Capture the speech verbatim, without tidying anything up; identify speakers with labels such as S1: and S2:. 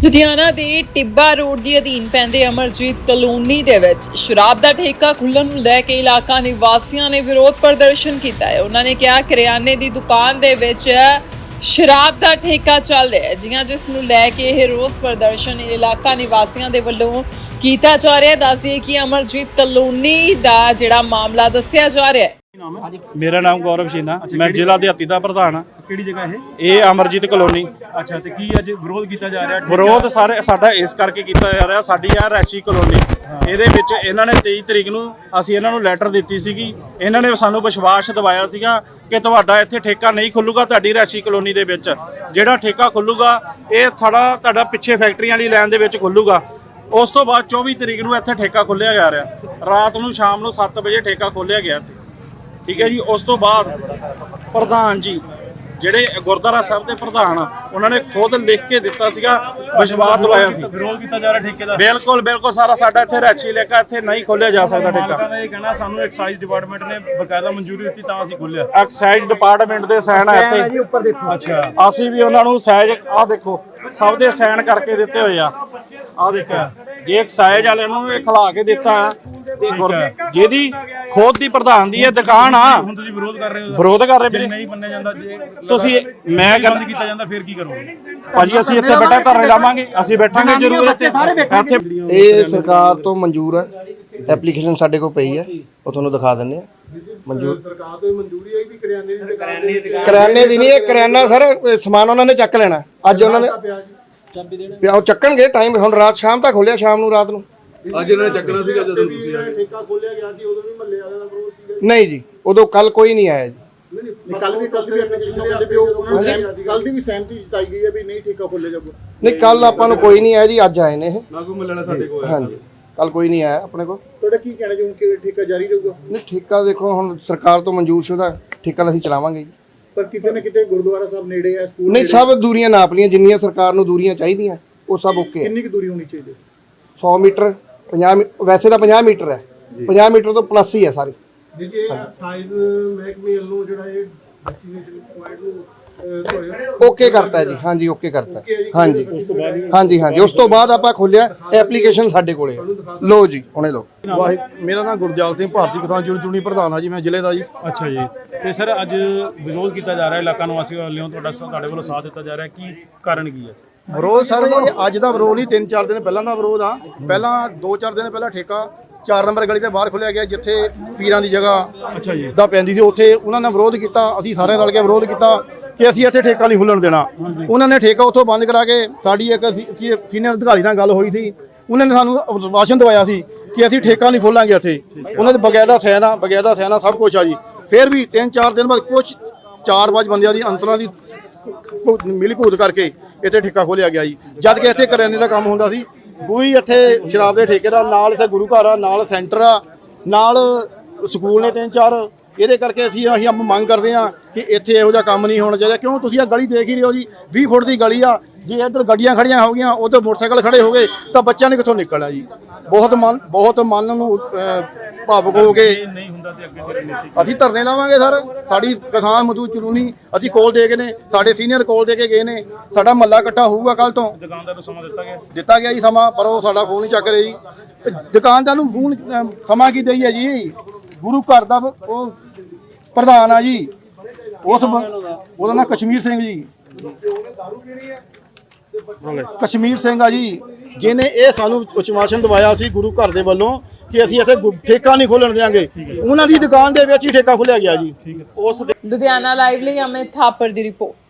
S1: ਲੁਧਿਆਣਾ ਦੇ ਟਿੱਬਾ ਰੋਡ ਦੇ ਅਧੀਨ ਪੈਂਦੇ ਅਮਰਜੀਤ ਕਲੋਨੀ ਦੇ ਵਿੱਚ ਸ਼ਰਾਬ ਦਾ ਠੇਕਾ ਖੁੱਲ੍ਹਣ ਨੂੰ ਲੈ ਕੇ ਇਲਾਕਾ ਨਿਵਾਸੀਆਂ ਨੇ ਵਿਰੋਧ ਪ੍ਰਦਰਸ਼ਨ ਕੀਤਾ ਹੈ। ਉਹਨਾਂ ਨੇ ਕਿਹਾ ਕਰਿਆਨੇ ਦੀ ਦੁਕਾਨ ਦੇ ਵਿੱਚ ਸ਼ਰਾਬ ਦਾ ਠੇਕਾ ਚੱਲ ਰਿਹਾ ਹੈ, ਜਿਹਾਂ ਜਿਸ ਨੂੰ ਲੈ ਕੇ ਇਹ ਰੋਸ ਪ੍ਰਦਰਸ਼ਨ ਇਲਾਕਾ ਨਿਵਾਸੀਆਂ ਦੇ ਵੱਲੋਂ ਕੀਤਾ ਜਾ ਰਿਹਾ ਹੈ। ਦੱਸਦੇ ਕਿ ਅਮਰਜੀਤ ਕਲੋਨੀ ਦਾ ਜਿਹੜਾ ਮਾਮਲਾ ਦੱਸਿਆ ਜਾ ਰਿਹਾ ਹੈ।
S2: मेरा नाम गौरव शीना, मैं जिला दिहाती का प्रधान हाँ।
S3: ਕਿਹੜੀ ਜਗ੍ਹਾ ਇਹ?
S2: ये अमरजीत कलोनी।
S3: ਅੱਛਾ ਤੇ ਕੀ ਅੱਜ ਵਿਰੋਧ ਕੀਤਾ ਜਾ ਰਿਹਾ?
S2: ਵਿਰੋਧ ਸਾਰੇ ਸਾਡਾ ਇਸ ਕਰਕੇ ਕੀਤਾ ਜਾ ਰਿਹਾ, ਸਾਡੀ ਆ ਰੈਸ਼ੀ ਕਲੋਨੀ, ਇਹਦੇ ਵਿੱਚ ਇਹਨਾਂ ਨੇ ਤੇਈ ਤਰੀਕ ਨੂੰ ਅਸੀਂ ਇਹਨਾਂ ਨੂੰ ਲੈਟਰ ਦਿੱਤੀ ਸੀਗੀ। ਇਹਨਾਂ ਨੇ ਸਾਨੂੰ ਵਿਸ਼ਵਾਸ ਦਿਵਾਇਆ ਸੀਗਾ ਕਿ ਤੁਹਾਡਾ ਇੱਥੇ ਠੇਕਾ ਨਹੀਂ ਖੁੱਲੂਗਾ, ਤੁਹਾਡੀ ਰੈਸ਼ੀ ਕਲੋਨੀ ਦੇ ਵਿੱਚ ਜਿਹੜਾ ਠੇਕਾ ਖੁੱਲੂਗਾ ਇਹ ਥੋੜਾ ਤੁਹਾਡਾ ਪਿੱਛੇ ਫੈਕਟਰੀਆਂ ਵਾਲੀ ਲਾਈਨ ਦੇ ਵਿੱਚ ਖੁੱਲੂਗਾ। ਉਸ ਤੋਂ ਬਾਅਦ ਚੌਵੀ ਤਰੀਕ ਨੂੰ ਇੱਥੇ ਠੇਕਾ ਖੋਲ੍ਹਿਆ ਜਾ ਰਿਹਾ, ਰਾਤ ਨੂੰ ਸ਼ਾਮ ਨੂੰ ਸੱਤ ਵਜੇ ਠੇਕਾ ਖੋਲ੍ਹਿਆ ਗਿਆ ਇੱਥੇ, ਠੀਕ ਹੈ ਜੀ। ਉਸ ਤੋਂ ਬਾਅਦ ਪ੍ਰਧਾਨ ਜੀ ਜਿਹੜੇ ਗੁਰਦੁਆਰਾ ਸਾਹਿਬ ਦੇ ਪ੍ਰਧਾਨ ਉਹਨਾਂ ਨੇ ਖੁਦ ਲਿਖ ਕੇ ਦਿੱਤਾ ਸੀਗਾ, ਵਿਸ਼ਵਾਸ ਦਵਾਇਆ ਸੀ।
S3: ਵਿਰੋਧ ਕੀਤਾ ਜਾ ਰਿਹਾ ਠੇਕੇ ਦਾ?
S2: ਬਿਲਕੁਲ ਬਿਲਕੁਲ ਸਾਰਾ ਸਾਡਾ ਇੱਥੇ ਰੈਚੀ ਲੇਕਾ ਇੱਥੇ ਨਹੀਂ ਖੋਲਿਆ ਜਾ ਸਕਦਾ ਠੇਕਾ।
S3: ਮਾਲਕਾਂ ਦਾ ਇਹ ਕਹਿਣਾ ਸਾਨੂੰ ਐਕਸਾਈਜ਼ ਡਿਪਾਰਟਮੈਂਟ ਨੇ ਬਕਾਇਦਾ ਮਨਜ਼ੂਰੀ ਦਿੱਤੀ ਤਾਂ ਅਸੀਂ ਖੋਲਿਆ।
S2: ਐਕਸਾਈਜ਼ ਡਿਪਾਰਟਮੈਂਟ ਦੇ ਸਾਈਨ ਆ ਇੱਥੇ
S3: ਉੱਪਰ ਦੇਖੋ। ਅੱਛਾ
S2: ਅਸੀਂ ਵੀ ਉਹਨਾਂ ਨੂੰ ਸਾਈਜ਼ ਆਹ ਦੇਖੋ ਸਭ ਦੇ ਸਾਈਨ ਕਰਕੇ ਦਿੱਤੇ ਹੋਏ ਆ। ਆਹ ਦੇਖੋ ਜੇ ਐਕਸਾਈਜ਼ ਵਾਲੇ ਨੂੰ ਇਹ ਖਿਲਾ ਕੇ ਦਿੱਤਾ ਤੇ ਜਿਹਦੀ ਖੁਦ ਦੀ ਪ੍ਰਧਾਨ ਦੀ ਇਹ ਦੁਕਾਨ ਆ।
S3: ਹੁਣ ਤੁਸੀਂ ਵਿਰੋਧ ਕਰ ਰਹੇ ਹੋ?
S2: ਵਿਰੋਧ ਕਰ ਰਹੇ ਵੀਰੇ,
S3: ਨਹੀਂ ਮੰਨਿਆ ਜਾਂਦਾ ਜੇ
S2: ਤੁਸੀਂ ਮੈਂ ਗੱਲ
S3: ਬੰਦ ਕੀਤਾ ਜਾਂਦਾ ਫਿਰ ਕੀ ਕਰੋਗੇ?
S2: ਭਾਜੀ ਅਸੀਂ ਇੱਥੇ ਬੈਠਾ ਧਰਨੇ ਲਾਵਾਂਗੇ, ਅਸੀਂ ਬੈਠਾਂਗੇ ਜ਼ਰੂਰ ਇੱਥੇ ਇੱਥੇ
S4: ਇਹ ਸਰਕਾਰ ਤੋਂ ਮਨਜ਼ੂਰ ਹੈ, ਐਪਲੀਕੇਸ਼ਨ ਸਾਡੇ ਕੋਲ ਪਈ ਹੈ, ਉਹ ਤੁਹਾਨੂੰ ਦਿਖਾ ਦਿੰਦੇ ਆ। ਮਨਜ਼ੂਰ ਸਰਕਾਰ ਤੋਂ ਮਨਜ਼ੂਰੀ ਹੈ ਕਿ ਕਰਿਆਨੇ ਦੀ ਦੁਕਾਨ? ਕਰਿਆਨੇ ਦੀ ਨਹੀਂ, ਇਹ ਕਰਿਆਨਾ ਸਰ ਸਮਾਨ ਉਹਨਾਂ ਨੇ ਚੱਕ ਲੈਣਾ। ਅੱਜ ਉਹਨਾਂ ਨੇ ਪਿਆ ਉਹ ਚੱਕਣਗੇ, ਟਾਈਮ ਹੁਣ ਰਾਤ ਸ਼ਾਮ ਤੱਕ ਖੋਲਿਆ, ਸ਼ਾਮ ਨੂੰ ਰਾਤ ਨੂੰ
S5: ਅੱਜ ਇਹਨਾਂ ਨੇ ਚੱਕਣਾ ਸੀਗਾ ਜਦੋਂ ਤੁਸੀਂ ਆਏ। ਠੇਕਾ ਖੋਲਿਆ ਗਿਆ ਸੀ ਉਦੋਂ ਵੀ ਮਹੱਲੇ ਵਾਲਿਆਂ ਦਾ ਵਿਰੋਧ ਸੀਗਾ?
S4: ਨਹੀਂ ਜੀ, ਉਦੋਂ ਕੱਲ ਕੋਈ ਨਹੀਂ ਆਇਆ ਜੀ।
S5: ਨਹੀਂ ਕੱਲ ਵੀ ਕੱਲ ਵੀ ਐਪਲੀਕੇਸ਼ਨ ਦੇ ਪਿਓ ਕੱਲ ਦੀ ਵੀ ਸਹਿਮਤੀ ਜਤਾਈ ਗਈ ਹੈ ਵੀ ਨਹੀਂ ਠੇਕਾ ਖੋਲਿਆ ਜਾਊਗਾ।
S4: ਨਹੀਂ ਕੱਲ ਆਪਾਂ ਨੂੰ ਕੋਈ ਨਹੀਂ ਆਇਆ ਜੀ, ਅੱਜ ਆਏ ਨੇ ਇਹ।
S5: ਨਾ ਕੋਈ ਮਹੱਲੇ ਵਾਲਾ ਸਾਡੇ ਕੋਲ ਆਇਆ।
S4: ਹਾਂਜੀ ਕੱਲ ਕੋਈ ਨਹੀਂ ਆਇਆ ਆਪਣੇ ਕੋਲ।
S5: ਤੁਹਾਡਾ ਕੀ ਕਹਿਣਾ ਜੀ ਹੁਣ ਕਿ ਠੇਕਾ ਜਾਰੀ ਰਹੂਗਾ?
S4: ਨਹੀਂ ਠੇਕਾ ਦੇਖੋ ਹੁਣ ਸਰਕਾਰ ਤੋਂ ਮਨਜ਼ੂਰ ਸ਼ੁਦਾ ਠੇਕਾ ਅਸੀਂ ਚਲਾਵਾਂਗੇ ਜੀ।
S5: ਪਰ ਕਿਤੇ ਨਾ ਕਿਤੇ ਗੁਰਦੁਆਰਾ ਸਾਹਿਬ ਨੇੜੇ ਆ, ਸਕੂਲ
S4: ਨਹੀਂ ਸਭ ਦੂਰੀਆਂ ਨਾਪ ਲੀਆਂ ਜਿੰਨੀਆਂ ਸਰਕਾਰ ਨੂੰ ਦੂਰੀਆਂ ਚਾਹੀਦੀਆਂ ਉਹ ਸਭ ਓਕੇ।
S5: ਕਿੰਨੀ ਕੁ ਦੂਰੀ ਹੋਣੀ ਚਾਹੀਦੀ?
S4: ਸੌ ਮੀਟਰ ਪੰਜਾਹ ਵੈਸੇ ਤਾਂ ਪੰਜਾਹ ਮੀਟਰ ਹੈ, ਪੰਜਾਹ ਮੀਟਰ ਤੋਂ ਪਲੱਸ ਹੀ ਹੈ ਸਾਰੀ।
S5: ਜੇ ਸਾਈਜ਼ ਮਹਿਕਮੇ ਵੱਲੋਂ ਜਿਹੜਾ ਇਹ ਡੈਸਟੀਨੇਸ਼ਨ ਪੁਆਇੰਟ ਨੂੰ
S4: ਓਕੇ ਕਰਤਾ ਜੀ। ਹਾਂਜੀ ਓਕੇ ਕਰਤਾ ਹਾਂਜੀ ਹਾਂਜੀ ਹਾਂਜੀ ਉਸ ਤੋਂ ਬਾਅਦ ਆਪਾਂ ਖੋਲਿਆ ਐਪਲੀਕੇਸ਼ਨ ਸਾਡੇ ਕੋਲੇ ਲੋ ਜੀ ਹੁਣੇ ਲੋ।
S6: ਮੇਰਾ ਨਾਮ ਗੁਰਜਾਲ ਸਿੰਘ, ਭਾਰਤੀ ਕਿਸਾਨ ਯੂਨੀਅਨ ਚੁਣੀ ਪ੍ਰਧਾਨ ਆ ਜੀ, ਮੈਂ ਜ਼ਿਲ੍ਹੇ ਦਾ ਜੀ।
S3: ਅੱਛਾ ਜੀ, ਤੇ ਸਰ ਅੱਜ ਵਿਰੋਧ ਕੀਤਾ ਜਾ ਰਿਹਾ ਇਲਾਕਾ ਨਿਵਾਸੀਆਂ ਵੱਲੋਂ, ਤੁਹਾਡਾ ਤੁਹਾਡੇ ਵੱਲੋਂ ਸਾਥ ਦਿੱਤਾ ਜਾ ਰਿਹਾ, ਕੀ ਕਾਰਨ ਕੀ ਹੈ?
S6: ਵਿਰੋਧ ਸਰ ਇਹ ਅੱਜ ਦਾ ਵਿਰੋਧ ਨਹੀਂ, ਤਿੰਨ ਚਾਰ ਦਿਨ ਪਹਿਲਾਂ ਦਾ ਵਿਰੋਧ ਆ। ਪਹਿਲਾਂ ਦੋ ਚਾਰ ਦਿਨ ਪਹਿਲਾਂ ਠੇਕਾ ਚਾਰ ਨੰਬਰ ਗਲੀ ਦੇ ਬਾਹਰ ਖੋਲਿਆ ਗਿਆ, ਜਿੱਥੇ ਪੀਰਾਂ ਦੀ ਜਗ੍ਹਾ
S3: ਅੱਛਾ ਜੀ
S6: ਦਾ ਪੈਂਦੀ ਸੀ, ਉੱਥੇ ਉਹਨਾਂ ਨੇ ਵਿਰੋਧ ਕੀਤਾ। ਅਸੀਂ ਸਾਰੇ ਰਲ ਕੇ ਵਿਰੋਧ ਕੀਤਾ ਕਿ ਅਸੀਂ ਇੱਥੇ ਠੇਕਾ ਨਹੀਂ ਖੁੱਲਣ ਦੇਣਾ। ਉਹਨਾਂ ਨੇ ਠੇਕਾ ਉੱਥੋਂ ਬੰਦ ਕਰਾ ਕੇ, ਸਾਡੀ ਇੱਕ ਸੀਨੀਅਰ ਅਧਿਕਾਰੀ ਨਾਲ ਗੱਲ ਹੋਈ ਸੀ, ਉਹਨਾਂ ਨੇ ਸਾਨੂੰ ਵਾਸ਼ਨ ਦਵਾਇਆ ਸੀ ਕਿ ਅਸੀਂ ਠੇਕਾ ਨਹੀਂ ਖੋਲਾਂਗੇ ਇੱਥੇ। ਉਹਨਾਂ ਦੇ ਬਕਾਇਦਾ ਸੈਨ ਆ, ਬਕਾਇਦਾ ਸੈਨ ਆ, ਸਭ ਕੁਛ ਆ ਜੀ। ਫਿਰ ਵੀ ਤਿੰਨ ਚਾਰ ਦਿਨ ਬਾਅਦ ਕੁਛ ਚਾਰ ਪੰਜ ਬੰਦਿਆਂ ਦੀ ਅੰਤਰਾਂ ਦੀ ਮਿਲੀ ਭੂਤ ਕਰਕੇ ਇੱਥੇ ਠੇਕਾ ਖੋਲਿਆ ਗਿਆ ਜੀ। ਜਦ ਕਿ ਇੱਥੇ ਕਰਿਆਨੇ ਦਾ ਕੰਮ ਹੁੰਦਾ ਸੀ, ਕੋਈ ਇੱਥੇ ਸ਼ਰਾਬ ਦੇ ਠੇਕੇ ਦਾ, ਨਾਲ ਇੱਥੇ ਗੁਰੂ ਘਰ ਆ, ਨਾਲ ਸੈਂਟਰ ਆ, ਨਾਲ ਸਕੂਲ ਨੇ ਤਿੰਨ ਚਾਰ। ਇਹਦੇ ਕਰਕੇ ਅਸੀਂ ਅਸੀਂ ਮੰਗ ਕਰਦੇ ਹਾਂ ਕਿ ਇੱਥੇ ਇਹੋ ਜਿਹਾ ਕੰਮ ਨਹੀਂ ਹੋਣਾ ਚਾਹੀਦਾ। ਕਿਉਂ ਤੁਸੀਂ ਆ ਗਲੀ ਦੇਖ ਹੀ ਰਹੇ ਹੋ ਜੀ, ਵੀਹ ਫੁੱਟ ਦੀ ਗਲੀ ਆ। ਜੇ ਇੱਧਰ ਗੱਡੀਆਂ ਖੜੀਆਂ ਹੋ ਗਈਆਂ, ਉੱਧਰ ਮੋਟਰਸਾਈਕਲ ਖੜੇ ਹੋ ਗਏ ਤਾਂ ਬੱਚਿਆਂ ਨੇ ਕਿੱਥੋਂ ਨਿਕਲਣਾ ਜੀ। ਬਹੁਤ ਮਨ ਬਹੁਤ ਮਨ ਨੂੰ ਭਾਵੁਕ ਹੋ ਕੇ
S3: ਨਹੀਂ ਹੁੰਦਾ ਤੇ ਅੱਗੇ ਫਿਰ
S6: ਅਸੀਂ ਧਰਨੇ ਲਾਵਾਂਗੇ ਸਰ। ਸਾਡੀ ਕਿਸਾਨ ਮਜ਼ਦੂਰ ਚਲੂਨੀ ਅਸੀਂ ਕੋਲ ਦੇ ਗਏ ਨੇ, ਸਾਡੇ ਸੀਨੀਅਰ ਕੋਲ ਦੇ ਕੇ ਗਏ ਨੇ। ਸਾਡਾ ਮਹੱਲਾ ਇਕੱਠਾ ਹੋਊਗਾ ਕੱਲ ਤੋਂ।
S3: ਦੁਕਾਨਦਾਰ ਨੂੰ ਸਮਾਂ ਦਿੱਤਾ ਗਿਆ
S6: ਦਿੱਤਾ ਗਿਆ ਜੀ ਸਮਾਂ, ਪਰ ਉਹ ਸਾਡਾ ਫੋਨ ਨਹੀਂ ਚੱਕ ਰਹੇ ਜੀ। ਦੁਕਾਨਦਾਰ ਨੂੰ ਫੋਨ ਸਮਾਂ ਕੀ ਦਈਏ ਜੀ? ਗੁਰੂ ਘਰ ਦਾ ਉਹ ਪ੍ਰਧਾਨ ਆ ਜੀ, ਉਸ ਉਹਦਾ ਨਾਂ ਕਸ਼ਮੀਰ ਸਿੰਘ ਜੀ, ਕਸ਼ਮੀਰ ਸਿੰਘ ਆ ਜੀ, ਜਿਹਨੇ ਇਹ ਸਾਨੂੰ ਉਚਮਾਸ਼ਨ ਦਵਾਇਆ ਸੀ ਗੁਰੂ ਘਰ ਦੇ ਵੱਲੋਂ ਕਿ ਅਸੀਂ ਇੱਥੇ ਠੇਕਾ ਨਹੀਂ ਖੋਲਣ ਦੇਵਾਂਗੇ। ਉਹਨਾਂ ਦੀ ਦੁਕਾਨ ਦੇ ਵਿੱਚ ਹੀ ਠੇਕਾ ਖੋਲਿਆ ਗਿਆ ਜੀ।
S1: ਲੁਧਿਆਣਾ ਲਾਈਵ ਲਈ ਅਮਿਤ ਥਾਪਰ ਦੀ ਰਿਪੋਰਟ।